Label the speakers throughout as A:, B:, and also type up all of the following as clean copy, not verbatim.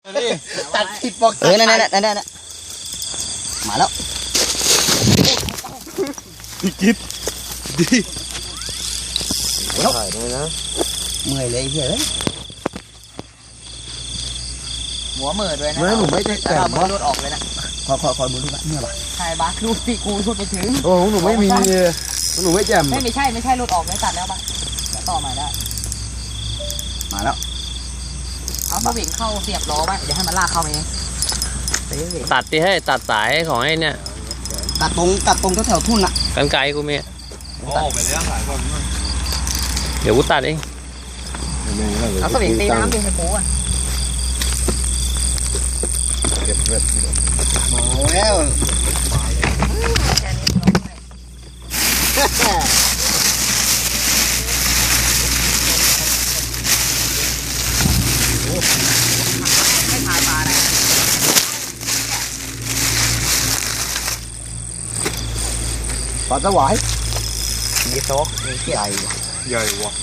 A: ตัดผิดบอกนั่นมาแล้วพี่กิ๊บดีถ่ายด้วยนะเมื่อยเลยเฮ้ยหัวเมื่อด้วยนะไม่ผมไม่ได้แต่ว่ารูดออกเลยนะคอยมือรูดนะเนี่ยป่ะใช่บ้ารูดปีกูรูดไปถึงโอ้หนูไม่มีหนูไม่แจ่มไม่ใช่รูดออกเลยตัดแล้วบ้าแล้วต่อใหม่ได้มาแล้วเอาสวิงเข้าเสียบล้อไว้เดี๋ยวให้มันลากเข้าไปเอง
B: ตัดดิให้ตัดสายของไอ้เนี่ย
A: ตัดตรงแถวทุ่นอ่ะ
B: กันไกลกูมี
C: ออกไปแล้วหลายคน
B: เดี๋ยวกูตัดเอง
A: เอาสวิงตีน้ำดิให้ปูอ่ะ
C: เก็บเวท
A: มาแล้วไม่ถ่ายปลาเลยปลาสวายมีโต๊ะมีใหญ่
C: ใหญ่วะ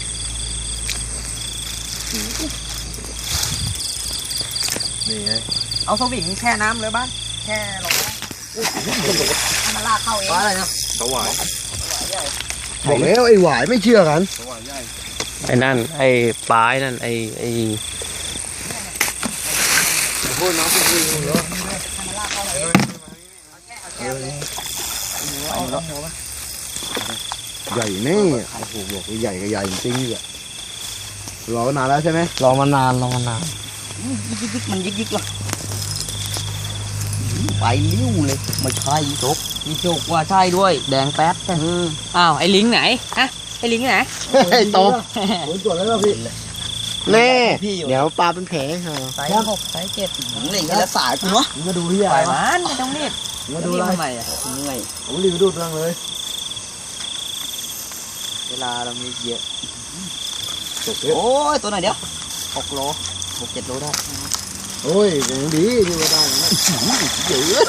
C: นี่ไง
A: เอาสวิงแช่น้ำเลยบ้านแช่ลงไปให้มันลากเข้าเองอะไรนะ
C: สวาย
A: บอกแล้วไอ้หวายไม่เชื่อกัน
C: สวายใหญ่
B: ไอ้นั่นไอ้ปลายนั่นไอ้
C: พูดน้องพูดเยอะใหญ่แน่โอ้โหบอกใหญ่กับใหญ่จริงๆอ่ะรอนานแล้วใช่ไหม
A: รอมานานยิกมันยิกหรอไปลิ้วเลยไม่ใช่จกมีโจกว่าใช่ด้วยแดงแป๊ดอ้าวไอ้ลิงไหนฮะไอ้ลิงไหน
C: ไอ้โตตรวจแล้วพี่
A: แน่
C: เดี๋ยวปลาเป็นแผล
A: สาย6 สาย 7เล่นกันแล้วสายกูเนาะ
C: มาดูที่
A: อะไรมันไม่ต้องรีบ
C: มาดูอะไร
A: อ่ะเหนื่อย
C: ผมรีบดูเรื่องเลย
A: เวลาเรามีเยอะโอ้ยตัวไหนเดี๋ยว6 โล 6-7 โลได้
C: โอ้ยอย่างดีที่ว่าได้นะ
A: เยอะ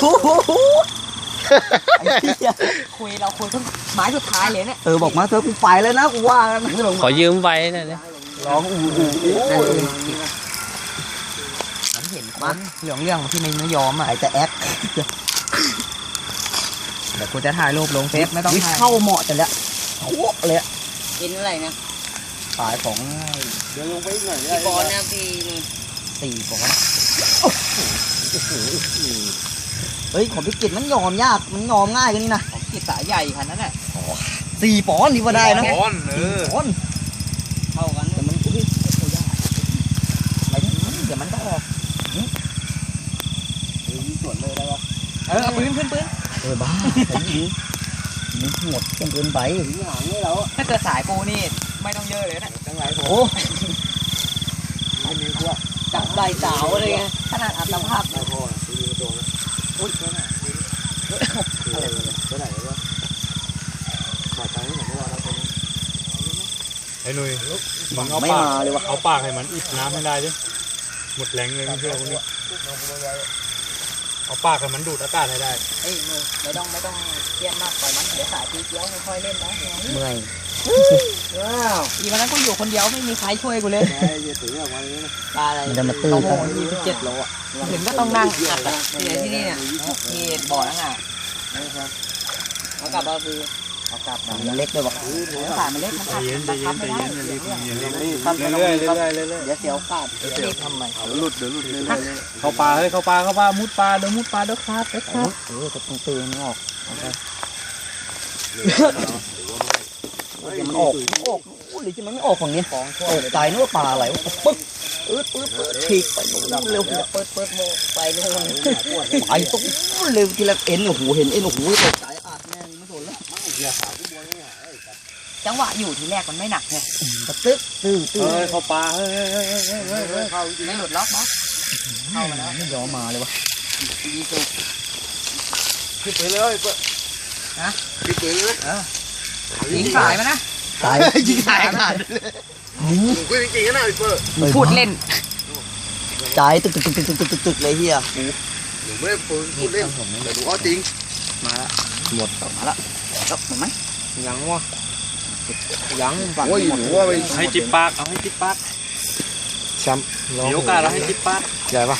A: คุยเราคุยเพิ่งไม้สุดท้ายเลยเนี่ยบอกมาเธอกูไปแล้วนะกูว่า
B: ขอยืมไว้นะเนี่ย
C: ร้อง
A: ฉันเห็นคนเรื่องที่ไม่ยอมอ่ะไอ้แต่แอปเดี๋ยวกูจะถ่ายรูปลงเฟซไม่ต้องถ่ายเข้าเหมาะแต่ละโคตรเลยกินอะไรนะขายของ
C: เดี๋ยวลงไปหน่อย
A: 4 ปอนด์นะพี่4 ปอนด์เฮ้ยของพิกิตมันยอมยากมันยอมง่ายกันนี่นะของพิกิตสายใหญ่ขนาดนั้นแหละ4 ปอนด์นี่ว่าได้นะ
C: 4 ปอนด์
A: เท่ากันแต่มันเดี๋ยวมันก็ออก
C: ส่วนเลยได้ปะ
A: เอาปืนบ้าไอ้ยิงมันหมดเกินไป
C: หางนี่แล้ว
A: ถ้าเกิดสายปูนี่ไม่ต้องเยอะเลยนะ
C: จังไรโอ้
A: ไม่มีพวกจับใบสาวอะไรเงี้ยขนาดอัตภาพ
C: ไม่พอดูตัวนะอุ้ยตัวไหนวะขาดใจไม่เหมือนเมื่อวานแล้วตัวนี้ไอ้หนุ่ยมึงเอาปากเอาปากให้มันอิดน้ำให้ได้ดิหมดแรงเลยเพื่อนคนนี้เอาปากให้มันดูดอากาศให้ได้
A: เอ้ยไม่ต้องเตี้ยนมากปล่อยมันเดี๋ยวสายทีเดียวค่อยเล่นนะเมื่อยอีวันนั้นกูอยู่คนเดียวไม่มีใครช่วยกูเลยปลาอะไรจะมาตื้อเขาโห27 โลอ่ะถึงก็ต้องนั่งอัดอ่ะที่นี่เนี่ยที่บ่อนั่งอ่ะเอากลับมาคือเอากลับมันเล็กด้วยบอกสายมันเล็กมันอัดมันทับไม่ได้เรื่อยเดี๋ยวเสียวขาดเดี๋ยวทำไม
C: หลุดเข้าปลาเข้าปลามุดปลาเดี๋ยวขาด
A: ก็ต้องตีมันออกมันออกหรือจะมันไม่ออกฝั่งนี้ตกใจนึกว่าปลาอะไรปึ๊บฉีกไปเร็วเปิดโมไปนู่นไปตุ๊กเร็วทีละเอ็นโอ้โหเห็นเอ็นโอ้โหตกใจอาดแน่ไม่สนแล้วจังหวะอยู่ทีแรกมันไม่หนักไงตึ๊ด
C: เข้าปลา
A: ไม่หลุดล็อกมั้งเข้ามาแล้วไม่ยอมมาเลยวะ
C: ขึ้นไปเลย
A: นะ
C: ขึ้นไปเลย
A: ยิงสายมานะ
C: ยิงสายขาดกูจริงๆนะเปิด
A: พูดเล่นใจตึกเลยเฮีย
C: หนูไม่ได้พูดเล่นแต่ดูเขาจริง
A: มาแล้วหมดมาแล้วจบหมดไหม
C: ยังวะยังโอ้ยหนูว่าไป
B: ให้จิบปากเอาให้จิบปาก
C: แชมป์
B: เดี๋ยวการเราให้จิบปาก
C: ใหญ่ปะ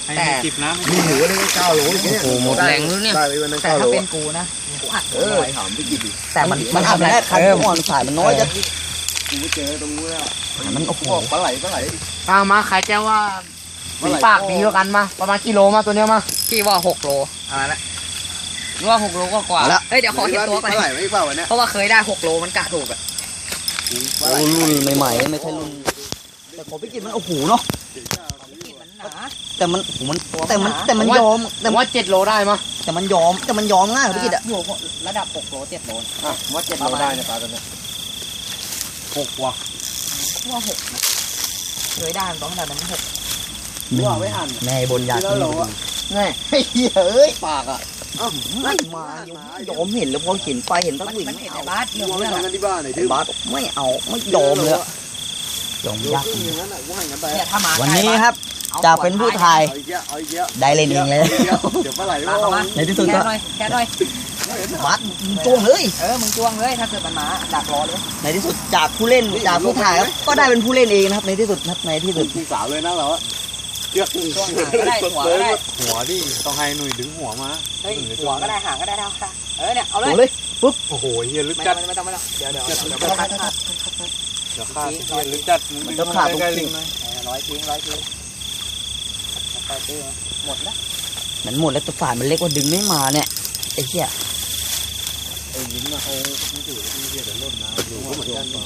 C: ให้มันจิบน้ำ
D: มีหมูได้9 โลเนี่ย
B: โอ้โหหมดแรงแล้วเนี่ย
D: ได้ไปวันนั้น
A: แต่
D: 9 โล
A: ถ้าเป็นกูนะกูอัด
D: ถามพี่กิตดิ
A: แต่มันอัดไม่ได้คันอ่อนสายมันน้อยจะ
D: กูไม่เจอตรงนู้นแล้ว
A: มันโอ้โห
D: ปลาไหล
B: เอามาใครจะว่าฝีปากดีกว่ากันมาประมาณกิโลมาตัวเนี้ยมา
A: พี่ว่า6 โลอะไรนะว่า6 โลก็กว่าเฮ้ยเดี๋ยวขอเห็นตัวก่อน
D: ปลาไหลไม่เปล่าวันนี้
A: เพราะว่าเคยได้6 โลมันกะถูกอ่ะ
E: รุ่นใหม่ๆไม่ใช่รุ่นแต่ของพี่กิตมันโอ้โหเนาะ
A: มันหนา
E: แต่มันยอม
B: แต่ว่า7 โลได้มา
E: แต่มันยอมง่ายกว่าพี่กิตอะ
A: อยู่ระดับ6 โล 7 โล
D: ว่า7 โลได้เนี่ยปลาตัวนี้
C: 6 ว่ะ
A: ว่า6นะเคยได้มันต้องขนาดนั้น6
D: ว่าไม่หัน
E: แม่บนยา
D: แล้วโลอ่ะ
E: แม่เฮ้ยปากอ่ะไม่มาโยมเห็นแล้วพอเห็นไปเห็นตั้งวิ่ง
A: มันเห็นในบ้าน
D: ดูว่าทำกันที่บ้านหน่อยดิ
E: บาสไม่เอาไม่ยอมเลยยอมยาก
D: อย่างนั้นอ่ะว่าอย่างนั้นไป
A: เนี่ยถ้ามา
E: วันนี้ครับจะเป็นผู้ถ่าย
D: เอาอีกเยอะ
E: ได้เล่นเองเลย
D: เดี๋ยวปลาไหล
A: มาเข้ามา
E: ในที่สุด
A: แค่
E: ก็
A: หน่อยแค่หน่อย
E: บาสจ้วงเลย
A: มึงจ้วงเลยถ้าเกิดมันมาดักรอเลย
E: ในที่สุดจากผู้เล่นจากผู้ถ่ายครับก็ได้เป็นผู้เล่นเองนะครับในที่สุดครับในที่สุด
D: พี่สาวเลยนะเราอะเชือก
A: จ้วงหางก็ได้หัวก็ได้
C: หัวดิต้องให้หนุ่ยดึงหัวมา
A: เฮ้ยหัวก็ได้หางก็ได้เท่ากันเนี่ยเอาเลย
E: เลย
C: โอ้โหเฮียลึก
A: ไม่
C: จั
A: ต้อ
C: ด
A: งไม่ต้องเดี๋ยว
C: เดี๋ยวขาดเฮียลึกจัดมึงใกล้ลิงไหม
A: ร้อยทิ้งไปตื้อหมดแล้ว
E: มันหมดแล้วตัวฝ่ายมันเล็กกว่าดึงไม่มาเนี่ยไอ้เหี้ย
D: ไอ้ลิ้นมาเอาไม่ถือไม่เกี่ยวกับรถนะดูก็เหมือนกัน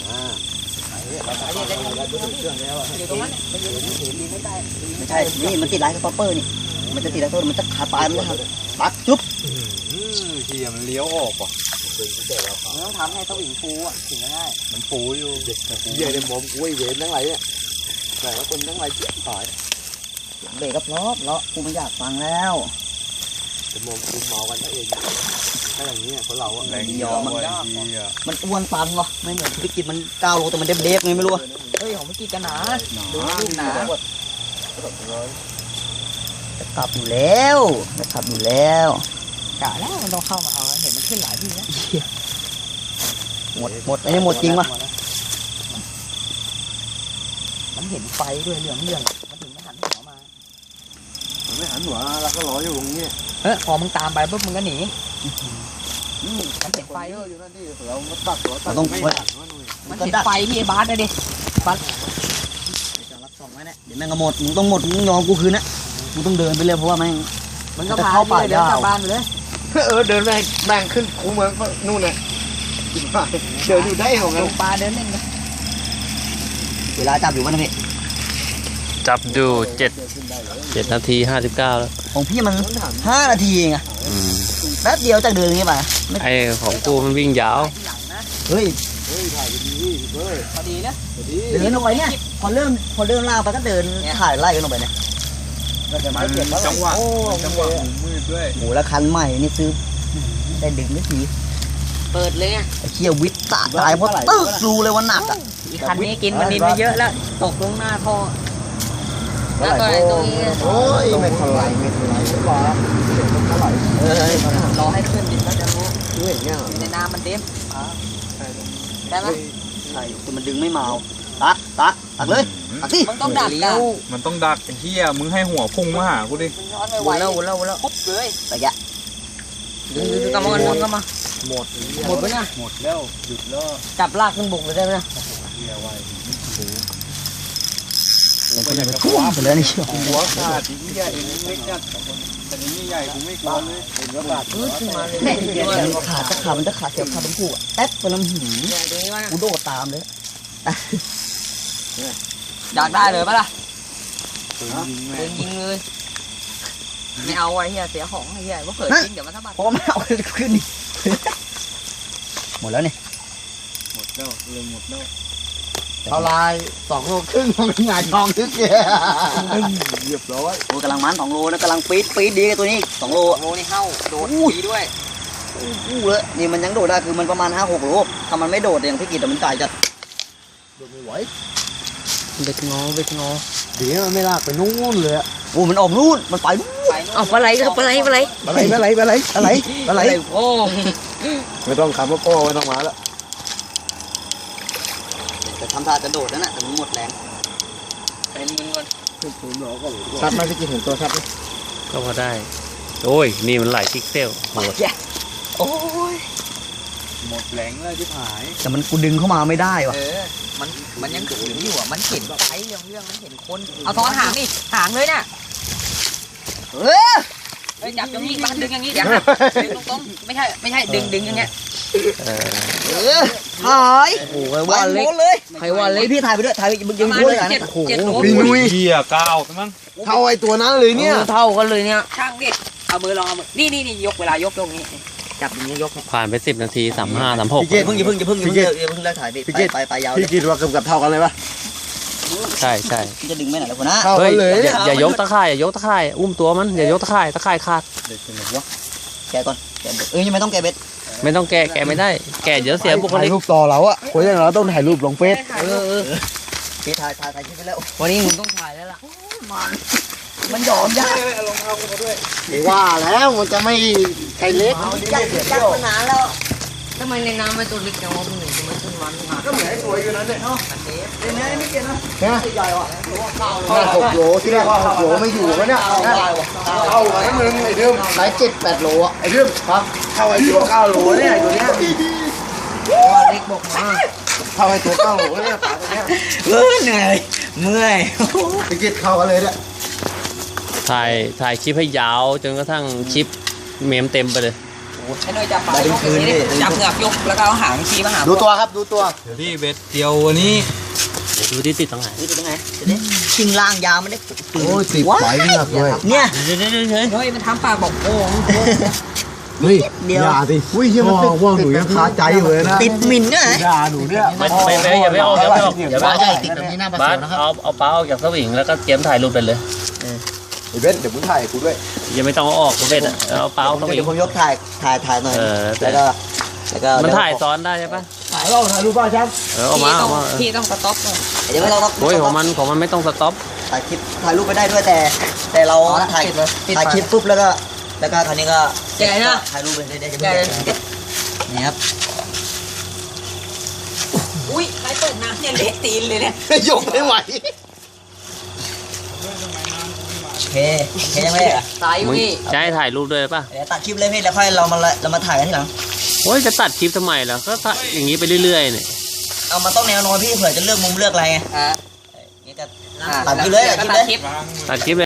A: อยู่ตรงนั้นมันอยู่ที่หินไม่ได้
E: ไม่ใช่นี่มันติดไลท์กับป๊อปเปอร์นี่มันจะติดไลท์ต้นมันจะขาดปลายมันจะปักจุ๊บ
C: เฮียมันเลี้ยวออกว่ะ
A: มันต้องทำให้สวิงฟูอ่ะถึงจะง่าย
C: มันฟูอยู่
D: เยี่ยในหมอมกุ้ยเวนทั้งหลายเนี่ยแต่ว่าคนทั้งหลายเจี๊ยบตาย
E: หลังเบรกก็เพราะกูไม่อยากฟังแล้ว
D: ผมมองคุณเมากันเองถ้าอย่างนี้คนเราอะ
C: แรงยอมมันเฮีย
E: มันอ้วนปันวะไม่เหมือนธุรกิจมัน9 โลแต่มันเด็บๆไงไม่รู้
A: เฮ้ยของเมื่อกี้กันหนาดูลูกหนา
E: จะกลับอยู่แล้วจะกลับอยู่แล้ว
A: กะแล้วมันต้องเข้ามาเอาเห็นมันขึ้นหลายที่แล้ว
E: หมดอันนี้หมดจริงปะ
A: มันเห็นไฟด้วยเหลืองมันถึงไม่หันหัวมา
D: ไม่หันหัวแล้วก็รออยู่ตรงนี้
A: พอมึงตามไปปุ๊บมึงก็หนีมันเห็นไฟ
D: เยอะอยู่นั่นที่เราตัดหัวตัดไม่หันว่าหนุ่ย
A: มันเห็นไฟที่ไอ้บาสเลยดิ
E: จะรับสองไว้เนี่ยเดี๋ยวแม่งก็หมดมึงต้องหมดมึงยอมกูคืนนะมึงต้องเดินไปเลยเพราะว่าแม่ง
A: มันก็พาไปเดินกลับบ้านไปเลย
D: เดินแบ่งขึ้นคูเมืองนู่นน่ะเดินอยู่ได้ของกัน
A: ลงปลาเดินเล่นนะ
E: เวลาจับอยู่มันนะพี่
B: จับดู7 นาที 59 แล้ว
E: ของพี่มัน5 นาทีเองอะแป๊บเดียวจากเดินอย่างนี้ไป
B: ไอ้ของกูมันวิ่งยาว
A: ที่หลังนะ
E: เฮ้ย
D: ถ่ายไปดีเฮ้ย
A: พอดีนะ
D: ดี
E: เดินออกไปเนี่ยพอเริ่มล่างไปก็เดินถ่ายไล่กันออกไปเนี่ย
D: มันจังหวะมืดด้วย
E: โหแล้วคันใหม่นี่ซื้อได้ดึงไม่ที
A: เปิดเลยอ่ะ
E: ไอ้เชี่ยวิทย์ตายเพราะตึ๊กรูเลยว่าหนักอ่ะ
A: คันนี้กินมันดินไปเยอะแล้วตกลงหน้าท่อแล้วก็ไอ้ตรงนี้
D: โอ้ยไม่ทลายก่อนเท่าไหร่
A: รอให้ขึ้นดินก็จะรู้
D: ดูเห็นเนี่ย
A: ในน้ำมันเต็มได้ไหม
E: ใช่แต่มันดึงไม่มาตักเลยตักสิ
A: มันต้องดักอ่ะ
C: มันต้องดักเฮียมึงให้หัวพุ่งมาหากูดิ
A: มันย้อนไปไวแล้วปุ๊บเลย
E: แต่แก
A: ดึงกลับมาดึงกลับมา
D: หมด
A: หมดไปเนี่ย
D: หมดแล้วหยุดแล้ว
A: จับลากขึ้นบกเลยได้ไหม
D: เฮียไว้
E: มันจะไปทุ่มไปเลยนี่เชี่ย
D: หัวขาดเฮียเองเล็กจัดแต่นี่ใหญ่กูไม่กลัวเลยเห็นว่าบาด
A: ขึ้นมาเลย
E: ขาดมันจะขาดเสียวขาดเป็นผู้อ่ะแป๊บไปน้ำหิน
A: ตรงนี้ว่า
E: กูโดดตามเลย
A: อยากได้เลยปะล่ะ
C: ปืนยิงแม่
A: ยิงเลยไม่เอาไว้เฮียเสียของเฮียว่าเผยจริงเดี๋ยวมันสะบัด
E: เพราะไม่เอาขึ้นนี่หมดแล้วนี่
D: หมดแล้วเลยหมดแล้ว
E: เท่าไร2 โลครึ่งมันหงายทองทึกเนี่ย
D: เรียบร้อย
E: โอ้กำลังมัน2 โลนะกำลังปี๊ดดีกับตัวนี้2 โล
A: โมนี่เข้าโดดดีด้วย
E: อู้เลยนี่มันยังโดดได้คือมันประมาณ5-6 โลถ้ามันไม่โดดอย่างพี่กิตมันจ่ายจะ
D: โดนไม่ไหว
B: เบ็ดงอ
D: เดี๋ยวมันไม่ลากไปนู่นเลยอะ
E: โอ้มันออกนู่นมันไป
A: เอาปลาไหลครับปลาไหล
D: อะไร
A: โอ้
D: ไม่ต้องคำว่าพ่อไม่ต้องมาแล้ว
E: แต่ทำท่าจะโดดนั่นแหละแต่มันหมดแรง
A: เป็นมึงก่อน
D: ชัดไหมพี่กินเห็นตัวชัดไหม
C: ก็พอได้โอ้ยนี่มันหลายพิกเซลโหด
A: โอ้ย
C: หมดแรงเลยที่หาย
E: แต่มันกูดึงเข้ามาไม่ได้ว่ะ
A: มันยังขืนอยู่อ่ะมันเห็นไฟเรื่องมันเห็นคนเอาซ้อนหางอีกหางเลยน่ะเฮ้ยจับอย่างนี้มันดึงอย่างนี้อย่าหักดึงตรงๆไม่ใช่ดึงอย่างเงี้ย
E: ถ่ายโอ้โหว่าเล็กเลยใครว่าเล็กพี่ถ่ายไปด้วยถ่ายไปมึงยังพูดเลยนะ
A: เจ็ดโล
D: พี่นุ้ย
C: เหี้ยก้าวทั้งนั้น
D: เท่าไอ้ตัวนั้นเลยเนี่ย
E: เท่ากันเลยเนี่ย
A: ช่างดิเอามือลองเอามือนี่ยกเวลายกตรงนี้จับอย่างนี้ยก
C: ผ่านไป10 นาที 35 36
E: อย่าเพิ่งเลิกถ่ายไปยาว
D: พี่กินว่าเกือบเท่ากันเลยปะ
C: ใช่ใช่
E: จะดึงไม่ไหนแล้วคนนะ
D: เท่า
C: เฮ้
D: กั
C: ย
D: นเลย
C: อย่ายกตะข่ายอย่ายกตะข่ายอุ้มตัวมันอย่ายกตะข่ายขาด
E: แกก่อนยังไม่ต้องแกเบ็ด
C: ไม่ต้องแกะไม่ได้ แกะเดี๋ยวเสียบุค
D: ถ่า
C: ลิ
D: ย
C: ก
D: รูปต่อเราอะคนอย่างเราต้องถ่ายรูปลงเฟซ
E: พี่ถ่ายคลิปไปแล้ว
A: วันนี้มึงต้องถ่ายแล้วล่ะ
E: มันยอมยาก
D: ว่าแล้วมันจะไม่ใครเล็ก
E: ยากมานานแล้ว
A: ทำไมในน้ำมันตัวเล็กจังวะมึงถึงมันขึ้นวันมา
D: ก็เหมือนไอ้ตัวอยู่นั้นเลย
E: เดี๋ยวนี้ไม่เกี่ยวนะ
D: นะ
E: ใหญ่ว่ะ
D: 6 โลที่แรกว่า6 โลไม่อยู่วะเนี่ยเข้ามาทั้งนึงไอ้เดิมหลาย7-8 โลอะไอ้เดิมครับเข้าไอ้ตัว9 โลเนี่ยไอ้ตัวเนี้ย
A: เล็กบอกมา
D: เข้าไอ้ตัว9 โลเนี่ยปลาตัวเนี้ย
E: เหนื่อยเมื่อย
D: ไปกินเข้ากันเลยเนี่ย
C: ถ่ายคลิปให้ยาวจนกระทั่งคลิปเมมเต็มไปเลย
A: ไอ้หน่อยจับปลายกอย่างนี้จับเหงือกยกแล้วก็เอาหางชี้มาหา
D: ดูตัวครับดูตัว
C: เดี๋ยวพี่เบ็ดเดียววันนี้ดูที่ติดตรงไหน
E: นี่เป็นไงชิงล่างยาวมันได้
D: โอ้ยติดไหลเงือกเลย
E: เนี่ย
C: เดี๋ยว
A: เฮ้ยมันทำปากบอกโอ้
D: เฮ้ยอย่าสิอุ้ยเฮียมันติดว่าหนูยังคาใจอยู่เลยนะ
E: ติดมินเนี่ย
D: ด่าหนูเนี่ย
C: ไม่อย่าไปออกอย่าไปออกอย่าไป
D: บ้า
C: ออก
D: ใช่ติดแบบนี้หน้าประ
C: บา
D: ตู
C: ส
D: นะครับ
C: เอาปลาออกจากสวิงแล้วก็เตรียมถ่ายรูปไปเลย
D: ไอ้เบนเดี๋ยวมึงถ่ายกูด้วย
C: ยังไม่ต้องเอาออกเบ็ดอ่ะเอาปลาออกสวิ
E: เดี๋ย
C: ง
E: วผมยกถ่ายหน่อยแล้วก็
C: มันถ่ายซ้อนได้ใช่ปะ
D: ถ่ายเราถ่ายรูปบ้าแชมป์
C: เอามาเอามา
A: พี่ต้องสต็อปก่อน
E: เดี๋ยวไม่ต้อง
C: โอ้ยของมันไม่ต้องสต็อป
E: ถ่ายคลิปถ่ายรูปไปได้ด้วยแต่เราถ่ายคลิปปุ๊บแล้วก็คราวนี้ก็ถ่ายรูปไปได้นี่ครับ
A: อุ้ยใครเปิดน้ำเนี่ยเละตีนเลยเนี่ย
D: ยกไม่ไหว
E: โอเคยังไม่ได้อะ
A: ตายอยู่
C: มึง
A: นี่
C: จะให้ถ่ายรูปด้วยป่ะ
E: เดี๋ยวตัดคลิปเลยพี่แล้วค่อยเรามาถ่ายกันทีหลัง
C: โอ้ยจะตัดคลิปทำไมล่ะก็ถ่ายอย่างนี้ไปเรื่อยๆเนี่ย
E: เอามาต้องแนวนอนพี่เผื่อจะเลือกมุมเลือกอะไรไง
A: อ่ะ
E: นี่ก็ตัดคลิปเลย
A: ตัดคลิป
C: ตัดคลิป